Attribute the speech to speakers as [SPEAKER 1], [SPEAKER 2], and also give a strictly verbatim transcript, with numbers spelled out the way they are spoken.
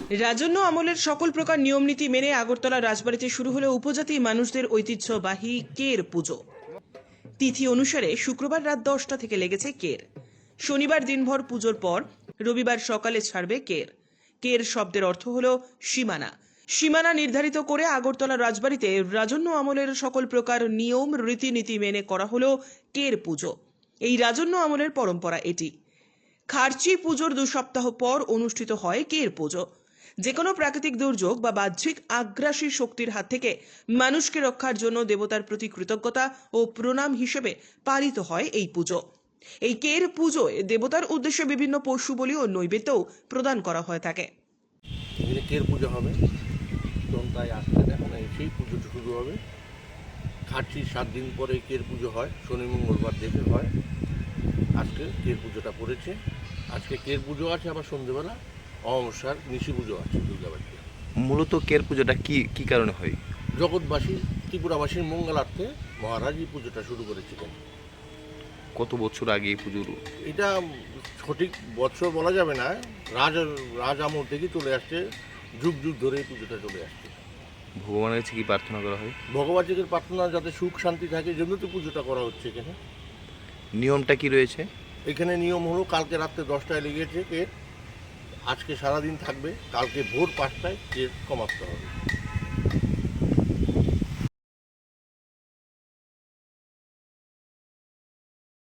[SPEAKER 1] রাজন্য আমলের সকল প্রকার নিয়মনীতি মেনে আগরতলা রাজবাড়িতে শুরু হলো উপজাতি মানুষদের ঐতিহ্যবাহী কের পুজো। তিথি অনুসারে শুক্রবার রাত দশটা থেকে লেগেছে কের। শনিবার দিনভর পুজোর পর রবিবার সকালে ছাড়বে কের। কের শব্দের অর্থ হলো সীমানা। সীমানা নির্ধারিত করে আগরতলা রাজবাড়িতে রাজন্য আমলের সকল প্রকার নিয়ম রীতিনীতি মেনে করা হলো কের পুজো। এই রাজন্য আমলের পরম্পরা এটি। খার্চি পুজোর দু সপ্তাহ পর অনুষ্ঠিত হয় কের পুজো। যে কোনো প্রাকৃতিক দুর্যোগ বা বাহ্যিক আগ্রাসী শক্তির হাত থেকে মানুষকে রক্ষার জন্য দেবতার প্রতি কৃতজ্ঞতা ও প্রণাম হিসেবে পালিত হয় এই পুজো। এই কের পুজোয় দেবতার উদ্দেশ্যে বিভিন্ন পশু বলি ও নৈবেদ্যও প্রদান করা হয়ে থাকে।
[SPEAKER 2] এখানে কের পুজো হবে, তাই আসতে দেখুন সেই পুজোটা শুরু হবে। খার্চি সাত দিন পরে কের পুজো হয়, শনি মঙ্গলবার দেখে হয়। আজকে কের পুজোটা পড়েছে। আজকে কের পুজো আছে, আবার সন্ধ্যেবেলা অমাবস্যার নিশি পুজো আছে দুর্গাবাড়িতে।
[SPEAKER 3] মূলত কের পুজোটা কি কি কারণে হয়?
[SPEAKER 2] জগৎবাসী ত্রিপুরাবাসীর মঙ্গলার্থে মহারাজ এই পুজোটা শুরু করেছিলেন।
[SPEAKER 3] কত বছর আগে এই পুজোর?
[SPEAKER 2] এটা সঠিক বছর বলা যাবে না, রাজ রাজ আমল থেকে চলে আসছে, যুগ যুগ ধরে এই পুজোটা চলে আসছে।
[SPEAKER 3] ভগবানের কাছে কি প্রার্থনা করা হয়?
[SPEAKER 2] ভগবানের প্রার্থনা যাতে সুখ শান্তি থাকে, জন্য তো পুজোটা করা হচ্ছে এখানে।
[SPEAKER 3] নিয়মটা কি রয়েছে
[SPEAKER 2] এখানে? নিয়ম হলো কালকে রাত্রে দশটায় লেগেছে কের, আজকে সারাদিন থাকবে, কালকে ভোর পাঁচটায় কের কমাতে হবে।